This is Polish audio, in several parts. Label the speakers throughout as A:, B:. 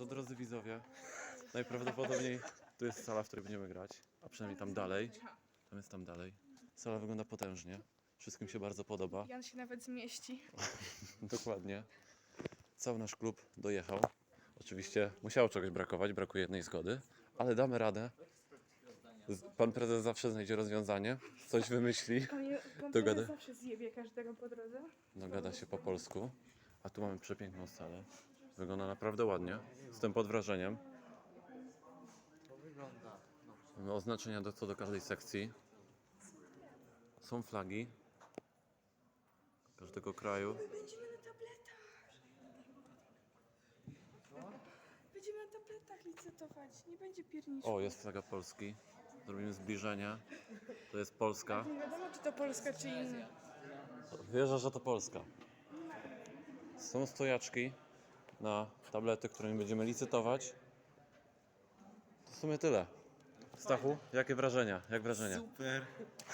A: to drodzy widzowie, najprawdopodobniej tu jest sala, w której będziemy grać, a przynajmniej tam dalej. Tam jest tam dalej. Sala wygląda potężnie. Wszystkim się bardzo podoba.
B: Jan się nawet zmieści.
A: Dokładnie. Cały nasz klub dojechał. Oczywiście musiało czegoś brakować, brakuje jednej zgody, ale damy radę. Pan prezes zawsze znajdzie rozwiązanie, coś wymyśli,
B: Pan
A: Dogada-
B: zawsze zjebie każdego po drodze.
A: dogada się po polsku. A tu mamy przepiękną salę. Wygląda naprawdę ładnie. Jestem pod wrażeniem. Mamy oznaczenia co do każdej sekcji. Są flagi każdego kraju.
B: Będziemy na tabletach. Będziemy na tabletach licytować. Nie będzie pierniczku.
A: O, jest flaga Polski. Zrobimy zbliżenie. To jest Polska.
B: Nie wiadomo, czy to Polska, czy inna.
A: Wierzę, że to Polska. Są stojaczki na tablety, którymi będziemy licytować. To w sumie tyle. Stachu, jakie wrażenia? Jak wrażenia?
C: Super.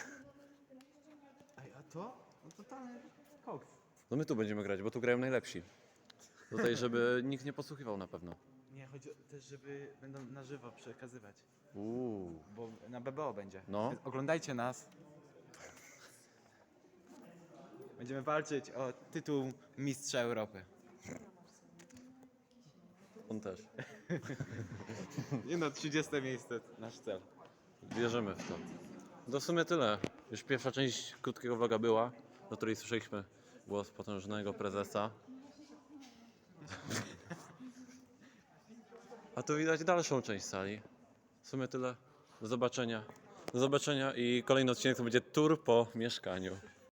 C: Ej, a to? No totalny koks.
A: No my tu będziemy grać, bo tu grają najlepsi. Tutaj, żeby nikt nie posłuchiwał na pewno.
C: Nie, chodzi też, żeby będą na żywo przekazywać.
A: Uuu.
C: Bo na BBO będzie.
A: No.
C: Więc oglądajcie nas. Będziemy walczyć o tytuł Mistrza Europy.
A: On też.
C: Nie no, 30 miejsce nasz cel.
A: Wierzymy w to. To w sumie tyle. Już pierwsza część krótkiego vloga była, do której słyszeliśmy głos potężnego prezesa. A tu widać dalszą część sali. W sumie tyle. Do zobaczenia. Do zobaczenia i kolejny odcinek to będzie tour po mieszkaniu.